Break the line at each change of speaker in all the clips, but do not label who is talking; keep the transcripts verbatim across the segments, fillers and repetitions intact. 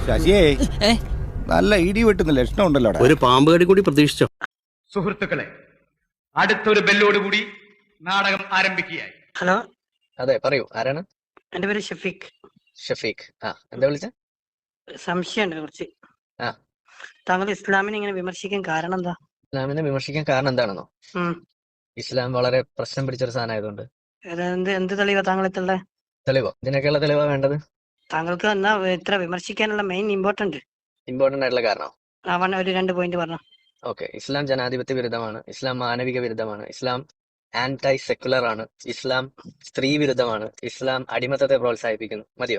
ശശിയേ നല്ല ഇടി വെട്ടുന്ന ലക്ഷണം ഉണ്ടല്ലോ.
ഒരു പാമ്പ് കടി കൂടി പ്രതീക്ഷിച്ചോ?
സുഹൃത്തുക്കളെ, അടുത്തൊരു ബെല്ലോടുകൂടി നാടകം ആരംഭിക്കുകയായി.
ഹലോ,
അതെ പറയൂ, ആരാണ്?
എന്റെ പേര് ഷഫീഖ്.
ഷഫീഖ്. ആ, എന്താ വിളിച്ച?
സംശയമുണ്ട് കുറച്ച്.
ആ,
താങ്കൾ ഇസ്ലാമിനെ ഇങ്ങനെ വിമർശിക്കാൻ കാരണം എന്താ?
ഇസ്ലാമിനെ വിമർശിക്കാൻ കാരണം എന്താണെന്നോ?
ഉം.
ഇസ്ലാം വളരെ പ്രശ്നം പിടിച്ചൊരു സാധനമായതുകൊണ്ട്.
എന്ത് എന്ത് തെളിവാ താങ്കൾ എത്തുള്ള?
തെളിവോ? ഇതിനൊക്കെയുള്ള തെളിവാ വേണ്ടത്?
താങ്കൾക്ക് എന്നാ ഇത്ര വിമർശിക്കാനുള്ള മെയിൻ ഇമ്പോർട്ടന്റ്
ഇമ്പോർട്ടന്റ് ആയിട്ടുള്ള കാരണം
അവൻ ഒരു രണ്ട് പോയിന്റ് പറഞ്ഞു.
ഓക്കെ, ഇസ്ലാം ജനാധിപത്യ വിരുദ്ധമാണ്, ഇസ്ലാം മാനവിക വിരുദ്ധമാണ്, ഇസ്ലാം ആന്റൈ സെക്കുലർ ആണ്, ഇസ്ലാം സ്ത്രീ വിരുദ്ധമാണ്, ഇസ്ലാം അടിമത്തത്തെ പ്രോത്സാഹിപ്പിക്കുന്നു. മതിയോ?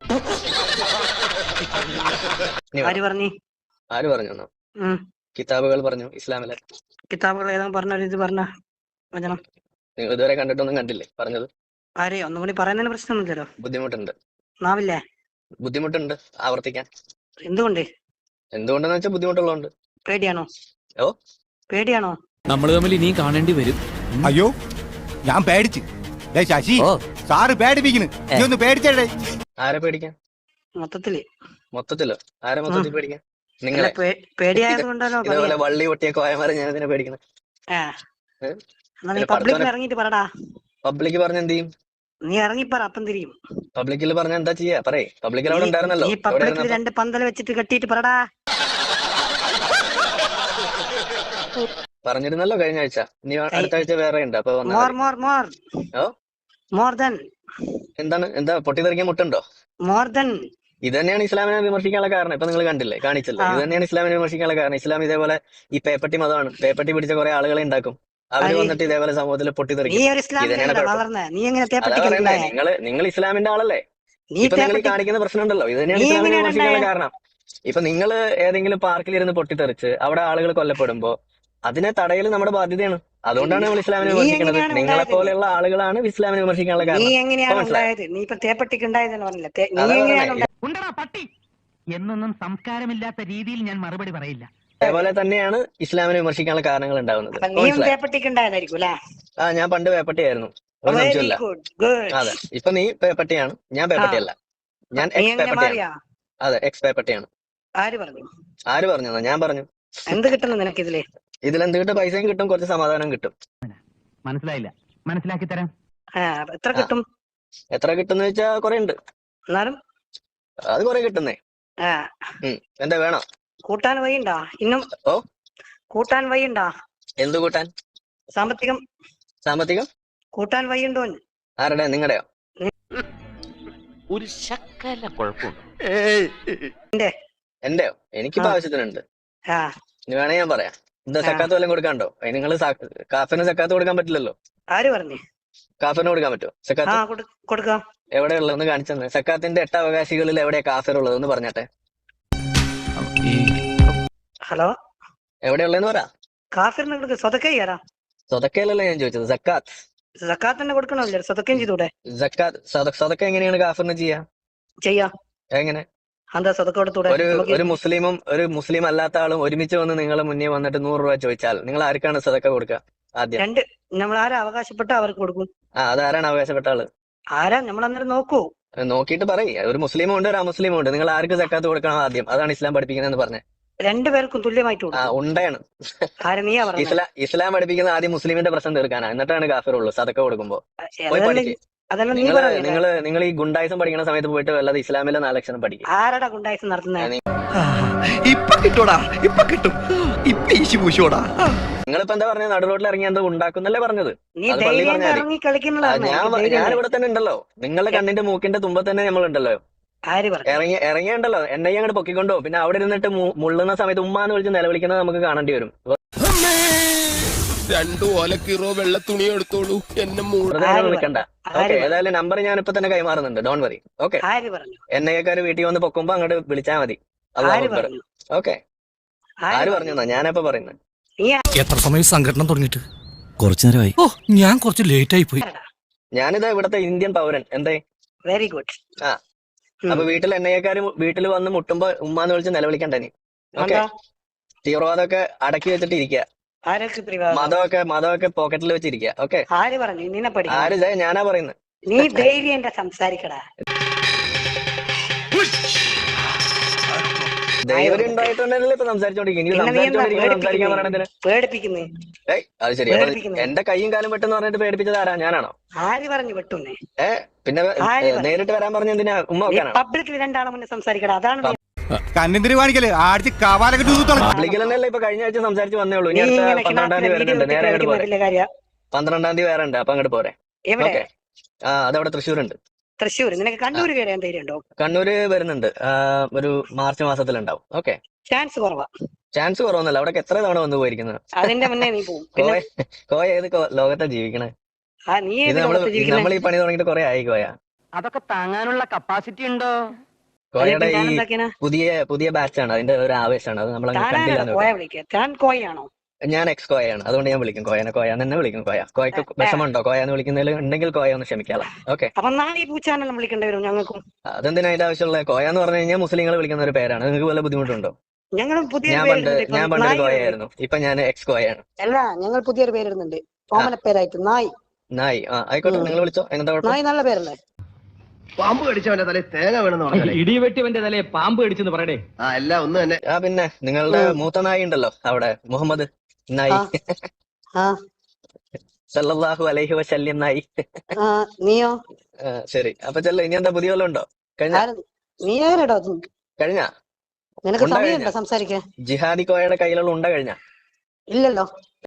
ആര് പറഞ്ഞു?
ആര് പറഞ്ഞു?
ഉം.
കിതാബുകൾ പറഞ്ഞു ഇസ്ലാമിലെ.
കിതാബുകൾ ഏതാ പറഞ്ഞ ഇത് പറഞ്ഞ വചനം
നിങ്ങൾ ഇതുവരെ കണ്ടിട്ടൊന്നും കണ്ടില്ലേ പറഞ്ഞത്?
ആരെ ഒന്നും കൂടി പറയുന്നതിന് പ്രശ്നമൊന്നുമില്ലല്ലോ.
ബുദ്ധിമുട്ടുണ്ട്.
നാവില്ലേ?
ബുദ്ധിമുട്ടുണ്ട് ആവർത്തിക്കാൻ.
എന്തുകൊണ്ട്?
എന്തുകൊണ്ടെന്ന് വെച്ചാൽ ബുദ്ധിമുട്ടുള്ളതുകൊണ്ട്.
പേടിയാണോ?
ഓ,
പേടിയാണോ?
നമ്മൾ തമ്മിൽ ഇനിയും കാണേണ്ടി വരും.
അയ്യോ, ഞാൻ പേടിച്ച്. ശശി സാറ് പേടിപ്പിക്കുന്നു. നീ ഒന്ന് പേടിച്ചേ.
ആരെ പേടിക്കാൻ?
മൊത്തത്തില്
മൊത്തത്തിലോ? ആരെ മൊത്തത്തിൽ പേടിക്കാൻ? നിങ്ങളെ
പേടിയായത് കൊണ്ടാണോ?
ഇതേപോലെ വള്ളി പൊട്ടിയ കോയമാരെ ഞാൻ ഇതിനെ പേടിക്കുന്നത്.
പബ്ലിക്കിൽ ഇറങ്ങിട്ട് പറടാ.
പബ്ലിക് പറഞ്ഞ എന്ത് ചെയ്യും?
നീ ഇറങ്ങിപ്പറ, അപ്പം തിരിയും.
പബ്ലിക്കിൽ പറഞ്ഞ എന്താ ചെയ്യാ? പറയേ. പബ്ലിക്കിൽ അവിടെ ഉണ്ടായിരുന്നല്ലോ.
ഈ പബ്ലിക്കിൽ രണ്ട് പന്തൽ വെച്ചിട്ട് കെട്ടിയിട്ട് പറടാ.
പറഞ്ഞിരുന്നല്ലോ കഴിഞ്ഞ ആഴ്ച. നീ അടുത്ത ആഴ്ച വേറെ ഉണ്ട്. അപ്പൊ
more more more
oh
more than
എന്താണ്? എന്താ പൊട്ടിത്തെറിക്കാൻ മുട്ടുണ്ടോ?
മോർ ദൻ
ഇത് തന്നെയാണ് ഇസ്ലാമിനെ വിമർശിക്കാനുള്ള കാരണം. ഇപ്പൊ നിങ്ങൾ കണ്ടില്ലേ, കാണിച്ചല്ലോ. ഇത് തന്നെയാണ് ഇസ്ലാമിനെ വിമർശിക്കാനുള്ള കാരണം. ഇസ്ലാം ഇതേപോലെ ഈ പേപ്പട്ടി മതമാണ്. പേപ്പട്ടി പിടിച്ച കുറെ ആളുകളെ ഉണ്ടാക്കും. അവര് വന്നിട്ട് ഇതേപോലെ സമൂഹത്തിൽ പൊട്ടിത്തെറിക്കും. നിങ്ങള് നിങ്ങൾ ഇസ്ലാമിന്റെ ആളല്ലേ? ഇപ്പൊ നിങ്ങൾ കാണിക്കുന്ന പ്രശ്നം ഉണ്ടല്ലോ. ഇത് തന്നെയാണ് ഇസ്ലാമിനെ വിമർശിക്കാനുള്ള കാരണം. ഇപ്പൊ നിങ്ങൾ ഏതെങ്കിലും പാർക്കിൽ ഇരുന്ന് പൊട്ടിത്തെറിച്ച് അവിടെ ആളുകൾ കൊല്ലപ്പെടുമ്പോ അതിനെ തടയൽ നമ്മുടെ ബാധ്യതയാണ്. അതുകൊണ്ടാണ് നമ്മൾ ഇസ്ലാമിനെ വിമർശിക്കുന്നത്. നിങ്ങളെ പോലെയുള്ള ആളുകളാണ് ഇസ്ലാമിനെ വിമർശിക്കാനുള്ള കാരണം.
എന്നൊന്നും സംസ്കാരമില്ലാത്ത രീതിയിൽ ഞാൻ മറുപടി പറയില്ല.
അതേപോലെ തന്നെയാണ് ഇസ്ലാമിനെ വിമർശിക്കാനുള്ള കാരണങ്ങൾ ഉണ്ടാവുന്നത്. ആ, ഞാൻ പണ്ട് പേപ്പട്ടിയായിരുന്നു, ഒരു സംശയമില്ല. അതെ, ഇപ്പൊ നീ പേപ്പട്ടിയാണ്, ഞാൻ പേപ്പട്ടിയല്ല. ഞാൻ എക്സ് പേപ്പട്ടിയാണ്. അതെ, എക്സ് പേപ്പട്ടിയാണ്.
ആര് പറഞ്ഞു?
ആര് പറഞ്ഞു? ഞാൻ പറഞ്ഞു.
എന്ത് കിട്ടുന്നു നിനക്ക് ഇതില്?
ഇതിലെന്ത് കിട്ടും? പൈസയും കിട്ടും, കുറച്ച് സമാധാനം കിട്ടും.
മനസ്സിലായില്ല, മനസ്സിലാക്കി തരാം.
എത്ര കിട്ടും?
എത്ര കിട്ടുന്ന വെച്ചാ കൊറേ ഉണ്ട്.
എന്നാലും
അത് കൊറേ കിട്ടുന്നേ. എന്താ വേണോ?
കൂട്ടാൻ വഴിയുണ്ടാ? ഇന്നും
ഓ,
കൂട്ടാൻ വഴിയുണ്ടാ?
എന്ത് കൂട്ടാൻ?
സാമ്പത്തികം.
സാമ്പത്തികം
കൂട്ടാൻ വഴിയുണ്ടോ?
ആരുടെ? നിങ്ങളുടെയോ?
ഒരു ശക്കല കുഴപ്പമുണ്ട്.
എന്റെയോ? എനിക്കിപ്പോ ആവശ്യത്തിനുണ്ട്. ഇനി വേണേ ഞാൻ പറയാം. എന്താ സക്കാത്ത് വല്ലതും കൊടുക്കാണ്ടോ? നിങ്ങള് കാഫിന് സക്കാത്ത് കൊടുക്കാൻ പറ്റില്ലല്ലോ.
ആര് പറഞ്ഞു?
കാഫിന് കൊടുക്കാൻ പറ്റുമോ സക്കാത്ത്?
കൊടുക്കാം.
എവിടെയുള്ളതെന്ന് കാണിച്ചു തന്നെ. സക്കാത്തിന്റെ എട്ട് അവകാശികളിൽ എവിടെയാ കാഫിർ ഉള്ളതെന്ന് പറഞ്ഞാട്ടെ.
ഹലോ,
എവിടെയുള്ളതെന്ന് പറ.
കാഫിറിന് കൊടുക്ക. സ്വതക്കയ്യാരാ?
സ്വതക്കയല്ലല്ലോ ഞാൻ ചോദിച്ചത്, സക്കാത്ത്.
സക്കാത്ത് തന്നെ കൊടുക്കണമല്ലേ? സ്വതക്കയും ചെയ്തൂടെ?
സക്കാത്ത് സ്വതക്ക എങ്ങനെയാണ് കാഫിറിന് ചെയ്യാ?
ചെയ്യാ.
എങ്ങനെ?
ഒരു
ഒരു മുസ്ലിമും ഒരു മുസ്ലിം അല്ലാത്ത ആളും ഒരുമിച്ച് വന്ന് നിങ്ങളെ മുന്നേ വന്നിട്ട് നൂറ് രൂപ ചോദിച്ചാൽ നിങ്ങൾ ആർക്കാണ് സദക്ക കൊടുക്കുക? ആദ്യം
രണ്ട് നമ്മൾ ആരാ അവകാശപ്പെട്ട അവർക്ക് കൊടുക്കും.
ആ, അതാരാണ് അവകാശപ്പെട്ട ആള്?
ആരാ? നമ്മൾ അന്നേരം നോക്കൂ.
നോക്കിയിട്ട് പറയും. ഒരു മുസ്ലിമും ഉണ്ട്, ഒരു അമുസ്ലിമും ഉണ്ട്. നിങ്ങൾ ആർക്ക് സക്കാത്ത് കൊടുക്കണം ആദ്യം? അതാണ് ഇസ്ലാം പഠിപ്പിക്കുന്നതെന്ന് പറഞ്ഞത്.
രണ്ടുപേർക്കും തുല്യമായിട്ട്
ആ, ഉണ്ടാണ്. ഇസ്ലാം ഇസ്ലാം പഠിപ്പിക്കുന്ന ആദ്യം മുസ്ലിമിന്റെ പ്രശ്നം തീർക്കാനാ, എന്നിട്ടാണ് കാഫിർ ഉള്ളൂ സദക്ക കൊടുക്കുമ്പോ. പോയി പഠിക്ക്. നിങ്ങള് നിങ്ങൾ നിങ്ങൾ ഈ ഗുണ്ടായിസം പഠിക്കുന്ന സമയത്ത് പോയിട്ട് വല്ലാതെ ഇസ്ലാമിലെ നാലക്ഷരം പഠിക്കും.
ആരാടാ ഗുണ്ടായിസം നടത്തുന്നത്?
ഇപ്പൊ കിട്ടൂടാ, ഇപ്പൊ കിട്ടും. ഇപ്പൊ ഈശി പൂശോടാ.
നിങ്ങളിപ്പോ എന്താ പറഞ്ഞത്? നടു റോഡിൽ ഇറങ്ങി എന്താ ഉണ്ടാക്കുന്നല്ലേ പറഞ്ഞത്? ഞാൻ ഇവിടെ തന്നെ ഉണ്ടല്ലോ. നിങ്ങളുടെ കണ്ണിന്റെ മൂക്കിന്റെ തുമ്പ തന്നെ നമ്മളുണ്ടല്ലോ. ഇറങ്ങി ഇറങ്ങിയുണ്ടല്ലോ. എന്നെ അങ്ങോട്ട് പൊക്കിക്കൊണ്ടോ. പിന്നെ അവിടെ ഇരുന്നിട്ട് മുള്ളുന്ന സമയത്ത് ഉമ്മാന്ന് വിളിച്ച് നിലവിളിക്കുന്നത് നമുക്ക് കാണേണ്ടി വരും.
രണ്ടു ഓലക്കീറോ വെള്ള തുണി എടുത്തോളൂ, എന്നെ
വിളിക്കണ്ട. ഓക്കെ, ഏതായാലും നമ്പർ ഞാൻ ഇപ്പൊ തന്നെ കൈമാറുന്നുണ്ട്. Don't worry. Okay, N I എക്കാര് വീട്ടിൽ വന്ന് പൊക്കുമ്പോ അങ്ങോട്ട് വിളിച്ചാൽ മതി. ഓക്കെ, ആര് പറഞ്ഞു? ഞാനപ്പോ പറയുന്നത്.
എത്ര സമയം സംഘടന തുടങ്ങിയിട്ട്? കുറച്ചു നേരമായി. ഓ, ഞാൻ കുറച്ച് ലേറ്റ് ആയി പോയി.
ഞാനിതാ ഇവിടത്തെ ഇന്ത്യൻ പൗരൻ. എന്തേ?
Very good.
ആ, അപ്പൊ വീട്ടിൽ എൻ ഐ എക്കാര് വീട്ടിൽ വന്ന് മുട്ടുമ്പോ ഉമ്മാന്ന് വിളിച്ച് നിലവിളിക്കണ്ട നീ. ഓക്കെ, തീവ്രവാദമൊക്കെ അടക്കി വെച്ചിട്ട് ഇരിക്കുക. മതമൊക്കെ മതമൊക്കെ പോക്കറ്റിൽ വെച്ചിരിക്കുക. ഓക്കെ,
ആര് പറഞ്ഞു? നിന്നെ പഠിക്കും.
ആര്? ഞാനാ പറയുന്നത്.
നീ ധൈര്യം സംസാരിക്കടാ.
ധൈര്യം ഉണ്ടായിട്ടുണ്ടല്ലോ ഇപ്പൊ സംസാരിച്ചോണ്ടിരിക്കും.
പിന്നെ നീ എന്താ
സംസാരിച്ചോണ്ടിരിക്കുമ്പോൾ സംസാരിക്കാൻ
പേടിപ്പിക്കുന്നേ
പറയണതിന്
പേടിപ്പിക്കുന്നേ
ഏയ് അത് ശരി. അപ്പൊ
പേടിപ്പിക്കുന്നേ
എന്റെ കൈയും കാലും വെട്ടെന്ന് പറഞ്ഞിട്ട് പേടിപ്പിച്ചത് ആരാ? ഞാനാണോ?
ആര് പറഞ്ഞു വെട്ടുന്നേ
ഏ പിന്നെ
ആര്
ഏ,
പറഞ്ഞു?
നേരിട്ട് വരാൻ പറഞ്ഞ എന്തിനാ? ഉമ്മ
നീ
വെക്കാനാണോ?
പബ്ലിക്കിൽ രണ്ടാളെ മുന്നേ സംസാരിക്കടാ അതാണ് നീ
കണ്ണിന്തിരി കാണിക്കല് ആടിച്ച് കവാലൊക്കെ തൂത്തു
പബ്ലിക്കിൽ തന്നെയല്ലേ ഇപ്പൊ കഴിഞ്ഞ ആഴ്ച സംസാരിച്ച് വന്നേ ഉള്ളൂ. ഇനി
നീ
അടുത്ത
ഇങ്ങനെ
പന്ത്രണ്ടാം
കിണാത്തിലെ
തീയതി
വീഡിയോ
വരുന്നുണ്ട്. നേരെ അങ്ങോട്ട് പോരെ.
കളിക്കുന്ന കാര്യ
പന്ത്രണ്ടാം തീയതി വേറെ ഉണ്ട്. അപ്പൊ അങ്ങോട്ട് പോരെ.
എവിടെ
ഓക്കെ. ആ അതവിടെ തൃശ്ശൂരുണ്ട്.
തൃശ്ശൂർ നിനക്ക് കണ്ണൂര് വരാൻ ധൈര്യം ഉണ്ടോ?
കണ്ണൂര് വരുന്നുണ്ട്. ആ, ഒരു മാർച്ച് മാസത്തിലുണ്ടാവും. ഓക്കെ.
ചാൻസ് കുറവാ.
ചാൻസ് കുറവൊന്നുമല്ല. അവിടെ എത്ര തവണ വന്നു പോയിരിക്കുന്നത്.
അതിന്റെ മുന്നേ നീ പോവും. പിന്നെ
കോയ കോയ ഏത് കോ- ലോകത്താ ജീവിക്കണേ?
ആ നീ
ഇത്
ഏത്
നമ്മള്
ലോകത്ത് ജീവിക്കുന്നേ?
നമ്മൾ ഈ പണി തുടങ്ങിയിട്ട് കുറെ ആയി കോയ.
അതൊക്കെ താങ്ങാനുള്ള കപ്പാസിറ്റി ഉണ്ടോ?
കോയയുടെ
അതിപ്പോ
ഈ
ഞാൻ എന്താക്കിനാ?
പുതിയ പുതിയ ബാച്ചാണ്. അതിന്റെ ഒരു ആവേശമാണ്. അത് നമ്മൾ അങ്ങനെ
താനാണോ
കണ്ടില്ല.
കോയ വിളിക്കുക? താൻ കോയാണോ?
ഞാൻ എക്സ് കോയാണ്. അതുകൊണ്ട് ഞാൻ വിളിക്കും കോയനെ. കോയ എന്ന് തന്നെ വിളിക്കും. കോയ കോയക്ക് വിഷമമുണ്ടോ കോയ എന്ന് വിളിക്കുന്നതിൽ? ഉണ്ടെങ്കിൽ കോയ ഒന്ന് ക്ഷമിക്കാളാം. ഓക്കെ.
അപ്പൊ നാളെ ഈ പൂച്ചാനെല്ലാം വിളിക്കേണ്ടി വരും ഞങ്ങൾക്കും.
അതെന്തിനാ അതിന്റെ ആവശ്യമുള്ള? കോയ എന്ന് പറഞ്ഞു കഴിഞ്ഞാൽ മുസ്ലിങ്ങൾ വിളിക്കുന്ന ഒരു പേരാണ്. നിങ്ങൾക്ക് വല്ല ബുദ്ധിമുട്ടുണ്ടോ?
ഞങ്ങളും പുതിയൊരു
ഞാൻ പണ്ട്
പേരിടുന്നുണ്ട്.
ഞാൻ
ഇപ്പം
പണ്ടൊരു
നായി
കോയയായിരുന്നു. ഇപ്പൊ ഞാൻ എക്സ് കോയാണ്.
അല്ല ഞങ്ങൾ പുതിയൊരു പേരിടുന്നുണ്ട്. ഓമന പേരായിട്ട് നായി.
നായി. ആ ആയിക്കോട്ടെ, നിങ്ങൾ വിളിച്ചോ. എന്താ കുഴപ്പം?
നായി നല്ല പേരല്ലേ?
പാമ്പ് കടിച്ചവന്റെ തലയിൽ തേങ്ങ വേണമെന്ന് പറഞ്ഞാലേ
ഇടിവെട്ടിവന്റെ തലയെ പാമ്പ് കടിച്ചെന്ന് പറയടേ.
ആ എല്ലാം ഒന്ന് തന്നെ.
ആ പിന്നെ നിങ്ങളുടെ മൂത്ത നായി ഉണ്ടല്ലോ അവിടെ, മുഹമ്മദ് നായി.
ആ
സല്ലല്ലാഹു അലൈഹി വസല്ലം നായി.
ആ നീയോ?
ആ, ശരി. അപ്പൊ ചെല്ല. ഇനി എന്താ പുതിയ വല്ലതും ഉണ്ടോ? കഴിഞ്ഞ
ആര്? നീ ആരടോ?
കഴിഞ്ഞ
നിനക്ക്
ഉണ്ടാ
സമയമുണ്ടോ
കഴിഞ്ഞ?
സംസാരിക്കാൻ?
ജിഹാദി കോയയുടെ കയ്യിലുള്ള ഉണ്ട കഴിഞ്ഞ?
ഇല്ലല്ലോ.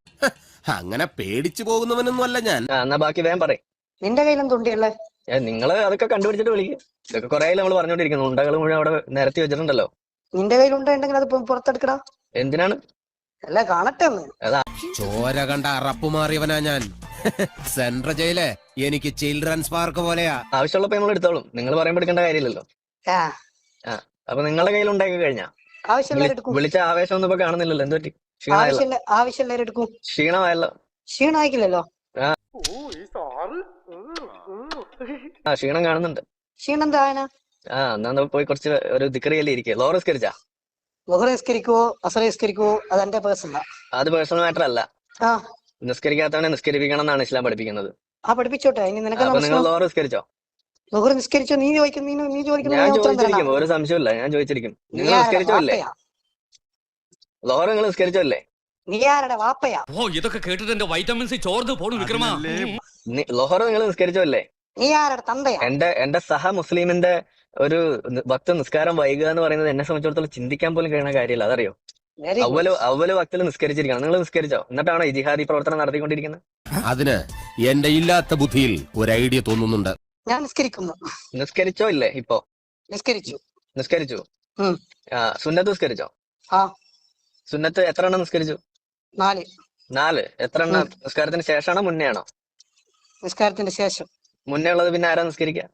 അങ്ങനെ പേടിച്ചു പോകുന്നവനൊന്നും അല്ല ഞാൻ.
ആ എന്നാ ബാക്കി വേഗം പറയും.
നിന്റെ കയ്യിലും തുണ്ടിയല്ലേ?
നിങ്ങള് അതൊക്കെ കണ്ടുപിടിച്ചിട്ട് വിളിക്കും. ഇതൊക്കെ കുറെ നമ്മൾ പറഞ്ഞോണ്ടിരിക്കുന്നു. ഉണ്ടകൾ മുഴുവൻ അവിടെ നിരത്തി വെച്ചിട്ടുണ്ടല്ലോ.
നിന്റെ കയ്യിലുണ്ടെങ്കിൽ അത് പു- പുറത്തെടുക്കടാ.
എന്തിനാണ്?
അല്ല കാണട്ടെ ഒന്ന്.
ചോര കണ്ട അറപ്പ് മാറിയവനാ ഞാൻ. സെൻട്രൽ ജയില് എനിക്ക് ചിൽഡ്രൻസ് പാർക്ക് പോലെയാ.
ആവശ്യമുള്ളപ്പോ നമ്മൾ എടുത്തോളും. നിങ്ങൾ പറയുമ്പോൾ എടുക്കേണ്ട കാര്യമില്ലല്ലോ.
ആ
ആ അപ്പൊ നിങ്ങളുടെ കയ്യിൽ ഉണ്ടാക്കി കഴിഞ്ഞാ?
ആവശ്യമുള്ളവർ എടുക്കും.
വിളിച്ച ആവേശം ഒന്നും ഇപ്പൊ കാണുന്നില്ലല്ലോ. എന്ത് പറ്റി? ക്ഷീണമായല്ലോ.
ആവശ്യമില്ല ആവശ്യമുള്ളവർ എടുക്കും.
ക്ഷീണമായല്ലോ.
ക്ഷീണമായിക്കില്ലല്ലോ.
ആ ക്ഷീണം കാണുന്നുണ്ട്.
ക്ഷീണം എന്താ ആന?
ആ എന്നാ പോയി കുറച്ച് ഒരു ദിക്കറിയല്ലേ ഇരിക്കുക. ലോറസ്കരിച്ചാ?
മുഹർ നിസ്കരിക്കുവോ അസറ നിസ്കരിക്കുവോ അത് എന്റെ പേഴ്സണലാ.
അത് പേഴ്സണൽ മാറ്റർ അല്ല.
ആ
നിസ്കരിക്കാത്തവനെ നിസ്കരിപ്പിക്കണം എന്നാണ് ഇസ്ലാം പഠിപ്പിക്കുന്നത്.
ആ പഠിപ്പിച്ചോട്ടെ. ഇനി നിനക്ക്
അപ്പൊ നിങ്ങൾ ലോറ നിസ്കരിച്ചോ?
മുഹർ നിസ്കരിച്ചോ? നീ ചോദിക്കും. നീ നീ ചോദിക്കുന്ന
ഞാൻ
ഞാൻ ഉത്തരം
ചോദിച്ചിരിക്കും.
തരണം.
ഒരു സംശയമില്ല, ഞാൻ ചോദിച്ചിരിക്കും.
നീ
നിങ്ങൾ
ആരുടെ
നിസ്കരിച്ചോ അല്ലേ?
വാപ്പയാ?
ലോറ നിങ്ങൾ നിസ്കരിച്ചോ അല്ലേ?
നീ ആരുടെ വാപ്പയാ?
ഓ ഇതൊക്കെ കേട്ടിട്ട് എന്റെ വൈറ്റമിൻ സി ചോർന്ന് പോണു വിക്രമാ.
നി- ലോഹറ നിങ്ങൾ നിസ്കരിച്ചോ അല്ലേ?
നീ ആരുടെ തന്തയാ?
എന്റെ എന്റെ സഹ മുസ്ലിമിന്റെ ഒരു നി- ഭക്ത നിസ്കാരം വൈകുക എന്ന് പറയുന്നത് എന്നെ സംബന്ധിച്ചിടത്തോളം ചിന്തിക്കാൻ പോലും കഴിയുന്ന കാര്യമില്ല. അതറിയോ?
വെരി
അവല് അവല് ഭക്തിൽ നിസ്കരിച്ചിരിക്കണം. നിങ്ങൾ നിസ്കരിച്ചോ? എന്നിട്ടാണോ ഈ ജിഹാദി പ്രവർത്തനം നടത്തിക്കൊണ്ടിരിക്കുന്നത്?
അതിന് എന്റെ ഇല്ലാത്ത ബുദ്ധിയിൽ ഒരു ഐഡിയ തോന്നുന്നുണ്ട്.
ഞാൻ നിസ്കരിക്കുന്നു.
നിസ്കരിച്ചോ ഇല്ലേ? ഇപ്പോ
നിസ്കരിച്ചു.
നിസ്കരിച്ചു.
ഉം.
ആ സുന്നത്ത് നിസ്കരിച്ചോ?
ആ
സുന്നത്ത് എത്ര എണ്ണം നിസ്കരിച്ചു?
നാല്.
നാല്. എത്ര എണ്ണം നിസ്കാരത്തിന് ശേഷമാണോ മുന്നേ ആണോ?
നിസ്കാരത്തിന്റെ ശേഷം.
മുന്നേ ഉള്ളത് പിന്നെ ആരാ നിസ്കരിക്കുക?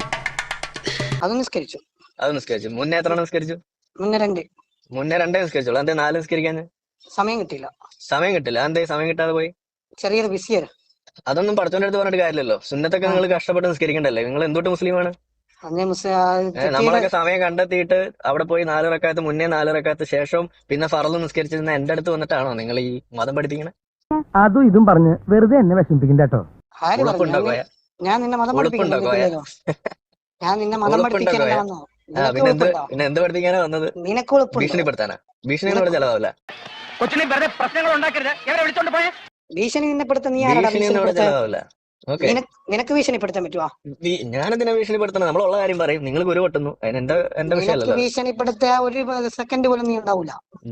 അത് നിസ്കരിച്ചു.
അത് നിസ്കരിച്ചു. മുന്നേ എത്ര എണ്ണം നിസ്കരിച്ചു?
മുന്നേ രണ്ട്.
മുന്നേ രണ്ടേ നിസ്കരിച്ചോളൂ. എന്തേ നാല് നിസ്കരിക്കാൻ?
സമയം കിട്ടിയില്ല.
സമയം കിട്ടില്ല. എന്തേ സമയം കിട്ടാതെ പോയി?
ചെറിയൊരു ബിസിയർ.
അതൊന്നും പഠിച്ചോന്റെ അടുത്ത് പറഞ്ഞിട്ട് കാര്യമില്ലല്ലോ. സുന്നത്തൊക്കെ നിങ്ങൾ കഷ്ടപ്പെട്ട് നിസ്കരിക്കണ്ടല്ലേ? നിങ്ങൾ എന്തുകൊണ്ട് മുസ്ലിമാണ്?
അന്നേ മുസ്ലിം
ഏഹ് നമ്മളൊക്കെ സമയം കണ്ടെത്തിയിട്ട് അവിടെ പോയി നാല് റക്കാത്ത് മുന്നേ നാല് റക്കാത്ത് ശേഷവും പിന്നെ ഫറല് നിസ്കരിച്ചിരുന്ന എന്റെ അടുത്ത് വന്നിട്ടാണോ നിങ്ങൾ ഈ മതം പഠിപ്പിക്കണേ?
അതും ഇതും പറഞ്ഞ് വെറുതെ എന്നെ വിഷമിപ്പിക്കണ്ട കേട്ടോ.
ആര്
ഉളുപ്പുണ്ടോ
പറഞ്ഞു?
കോയ?
ഞാൻ നിന്നെ മതം
ഉളുപ്പുണ്ടോ കോയ?
പഠിപ്പിക്കുന്നല്ലോ. ഞാൻ നിന്നെ മതം
ഉളുപ്പുണ്ടോ
പഠിപ്പിക്കാനല്ല
കോയ?
വന്നോ.
ആ
നിനക്ക്
പിന്നെ എന്ത്
ഉളുപ്പുണ്ടോ?
പിന്നെ എന്ത് പഠിപ്പിക്കാനാ വന്നത്?
നിനക്ക് ഉളുപ്പുണ്ടോ?
ഭീഷണിപ്പെടുത്താനാ? ഭീഷണി ഒന്നും ഇവിടെ ചെലവാവില്ല.
കൊച്ചിനെ വെറുതെ പ്രശ്നങ്ങൾ ഉണ്ടാക്കരുത്. എവരെ വിളിച്ചോണ്ട് പോയേ?
ഭീഷണി നിന്നെപ്പെടുത്ത നീ ആരാടാ
ഭീഷണി ഒന്നും ഇവിടെ
ഭീഷണിപ്പെടുത്താൻ?
ചെലവാവില്ല. ഓക്കെ.
നിനക്ക് നിനക്ക് ഭീഷണിപ്പെടുത്താൻ പറ്റുവാ?
ഞാനെന്തിനാ ഭീഷണിപ്പെടുത്തണം? നമ്മളുള്ള കാര്യം പറയും. നിങ്ങൾ കുരു പൊട്ടുന്നു. അതിന് എന്റെ എന്റെ
നിനക്ക്
വിഷയമല്ലല്ലോ.
ഭീഷണിപ്പെടുത്ത ഒരു സെക്കൻഡ് പോലും നീ ഉണ്ടാവൂല.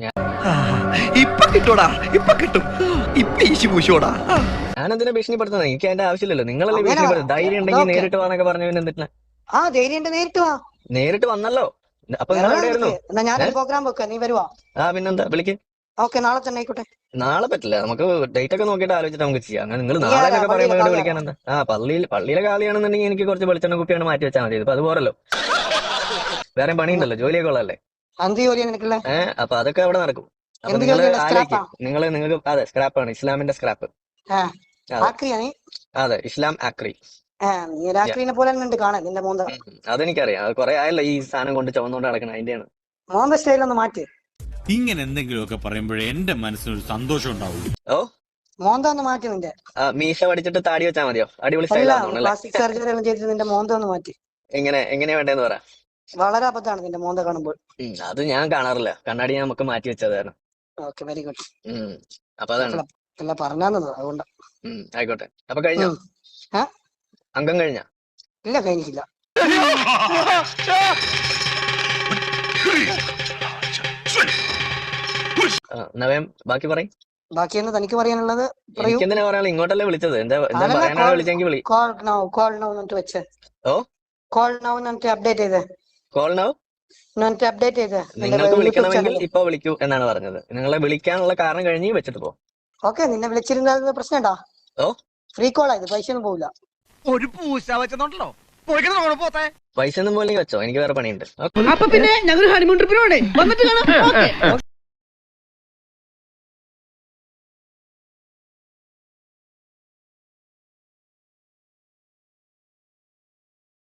ഇപ്പൊ കിട്ടൂടാ, ഇപ്പൊ കിട്ടും. ഇപ്പൊ ഈശി പൂശോടാ.
ഞാനെന്തിനാ ഭീഷണിപ്പെടുത്തുന്നത്? എനിക്ക് അതിന്റെ ആവശ്യമില്ലല്ലോ. നിങ്ങളല്ലേ
അങ്ങനെ
ഭീഷണിപ്പെടുത്തുന്നത്. ധൈര്യം ഉണ്ടെങ്കിൽ
അതൊക്കെ.
നേരിട്ട് വാന്നൊക്കെ പറഞ്ഞു. പിന്നെ എന്തിനാ?
ആ ധൈര്യം നേരിട്ട് വാ.
നേരിട്ട് വന്നല്ലോ. അപ്പൊ നിങ്ങൾ എവിടെയായിരുന്നു?
എന്നാ ഞാനൊരു പ്രോഗ്രാം വെക്കാം. നീ വരുവാ?
ആ പിന്നെന്താ വിളിക്ക്.
ഓക്കെ നാളെ തന്നെ ആയിക്കോട്ടെ.
നാളെ പറ്റില്ല. നമുക്ക് ഡേറ്റ് ഒക്കെ നോക്കിയിട്ട് ആലോചിച്ചിട്ട് നമുക്ക് ചെയ്യാം. അങ്ങനെ നിങ്ങൾ
നീ
നാളെ
ആരാ?
എന്നൊക്കെ പറയുമ്പോൾ
പള്ളിയിലെ
ഇവിടെ വിളിക്കാൻ എന്താ? ആ പള്ളിയിൽ പള്ളിയിലെ കാളിയാണെന്നുണ്ടെങ്കിൽ എനിക്ക് കുറച്ച് വെളിച്ചെണ്ണ കുപ്പിയാണ് മാറ്റി വെച്ചാൽ മതി. ഇപ്പൊ അത് പോരല്ലോ. വേറെ പണിയുണ്ടല്ലോ. ജോലിയൊക്കെ ഉള്ളതല്ലേ.
എന്ത് ജോലിയാ നിനക്കുള്ള?
ഏഹ് അപ്പൊ അതൊക്കെ അവിടെ നടക്കും. അപ്പൊ
എന്ത്
നിങ്ങൾ
ജോലിയാണ്?
ആലോചിക്കും.
സ്ക്രാപ്പാ?
നിങ്ങൾ നിങ്ങൾക്ക് അതെ സ്ക്രാപ്പാണ്. ഇസ്ലാമിന്റെ സ്ക്രാപ്പ്.
ആ
അതെ
ആക്രിയാ നീ?
അതെ ഇസ്ലാം ആക്രി.
ആ നീ ഒരു ആക്രീനെ പോലെ തന്നെ ഉണ്ട് കാണാൻ. നിന്റെ മോന്ത
ഉം, അതെനിക്കറിയാം. അത് കുറെ ആയല്ലോ ഈ സാധനം കൊണ്ട് ചുവന്നുകൊണ്ട് നടക്കണം. അതിന്റെയാണ്.
മോന്ത സ്റ്റൈലൊന്ന് മാറ്റി.
ഇങ്ങനെ എന്തെങ്കിലുമൊക്കെ പറയുമ്പോഴേ എന്റെ മനസ്സിനൊരു സന്തോഷം ഉണ്ടാവും.
ഓ
മോന്ത ഒന്ന് മാറ്റി നിന്റെ.
ആ, മീശ പഠിച്ചിട്ട് താടി വെച്ചാൽ മതിയോ? അടിപൊളി
അല്ല
സ്റ്റൈലാണോ അല്ലേ?
പ്ലാസ്റ്റിക് സർജറി എല്ലാം ചെയ്തിട്ട് നിന്റെ മോന്ത ഒന്ന് മാറ്റി.
എങ്ങനെ എങ്ങനെയാ വേണ്ടതെന്ന് പറ.
വളരെ അബദ്ധമാണ് നിന്റെ മോന്ത കാണുമ്പോൾ.
ഉം, അത് ഞാൻ കാണാറില്ല, കണ്ണാടി ഞാൻ നമുക്ക് മാറ്റി വെച്ചതാണ്.
Okay, very good.
ഉം അപ്പൊ അതാണ്.
അല്ല പറഞ്ഞാന്നത് അതുകൊണ്ട്.
ഉം ആയിക്കോട്ടെ. അപ്പൊ കഴിഞ്ഞോ?
ആ?
അംഗം കഴിഞ്ഞ?
ഇല്ല, കഴിഞ്ഞിട്ടില്ല.
നവയം ബാക്കി പറയും.
ബാക്കി എന്ന് തനിക്ക് പറയാനുള്ളത് പറയൂ.
എനിക്കെന്തിനാ പറയാനുള്ള? ഇങ്ങോട്ടല്ലേ വിളിച്ചത്? എന്താ എന്താ പറയാനാ വിളിച്ചെങ്കിൽ വിളി.
കോൾ നൗ കോൾ നൗ എന്നിട്ട് വെച്ച്.
ഓ
കോൾ നൗ എന്നിട്ട് അപ്ഡേറ്റ് ചെയ്ത്.
കോൾ നൗ
എന്നിട്ട് അപ്ഡേറ്റ് ചെയ്ത്.
നിങ്ങൾക്ക് വിളിക്കണമെങ്കിൽ ഇപ്പൊ വിളിക്കൂ എന്നാണ് പറഞ്ഞത്. നിങ്ങളെ വിളിക്കാനുള്ള കാരണം കഴിഞ്ഞ് വെച്ചിട്ട് പോ.
ഓക്കെ, നിന്നെ വിളിച്ചിരുന്ന പ്രശ്നമുണ്ടോ?
ഓ
ഫ്രീ കോൾ ആയത്, പൈസ ഒന്നും പോവില്ല.
ഒരു പൂശ വെച്ചോണ്ടല്ലോ പോത്തെ
പൈസ ഒന്നും പോലെ വെച്ചോ, എനിക്ക് വേറെ പണിയുണ്ട്.
അപ്പൊ പിന്നെ ഞങ്ങൾ ഹണിമൂൺ ട്രിപ്പിന് പോണേ വന്നിട്ട് കാണാം.